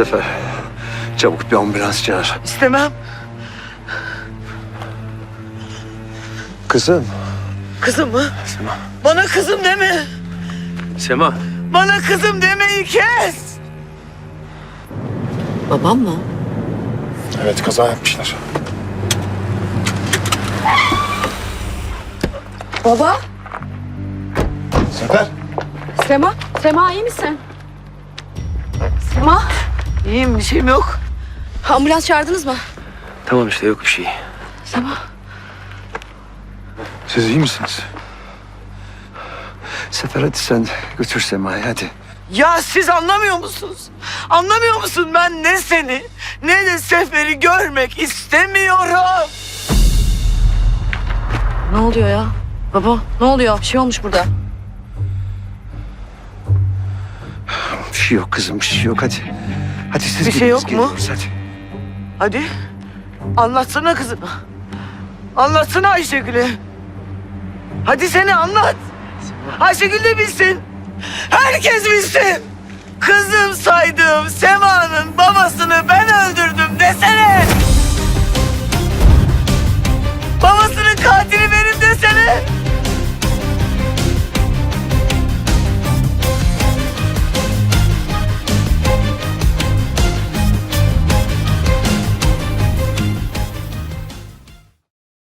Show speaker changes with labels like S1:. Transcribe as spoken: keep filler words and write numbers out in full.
S1: Sefer, çabuk bir ambulans çağır.
S2: İstemem.
S1: Kızım.
S2: Kızım mı?
S1: Sema.
S2: Bana kızım deme.
S1: Sema.
S2: Bana kızım demeyi kes.
S3: Babam mı?
S4: Evet, kaza yapmışlar.
S3: Baba.
S4: Sefer.
S3: Sema. Sema iyi misin? Sema.
S2: İyiyim, bir şeyim yok.
S3: Ambulans çağırdınız mı?
S1: Tamam işte, yok bir şey.
S3: Sema.
S4: Siz iyi misiniz?
S1: Sefer hadi sen götür Sema'yı hadi.
S2: Ya siz anlamıyor musunuz? Anlamıyor musun? Ben ne seni ne de Sefer'i görmek istemiyorum.
S3: Ne oluyor ya? Baba ne oluyor? Bir şey olmuş burada.
S1: Bir şey yok kızım, bir şey yok hadi. Hadi siz
S2: Bir şey
S1: gidin,
S2: yok
S1: biz
S2: mu?
S1: geliyoruz, hadi.
S2: Hadi anlatsana kızına. Anlatsana Ayşegül'e. Hadi seni anlat. Ayşegül de bilsin. Herkes bilsin. Kızım saydığım Sema'nın babasını ben öldürdüm desene.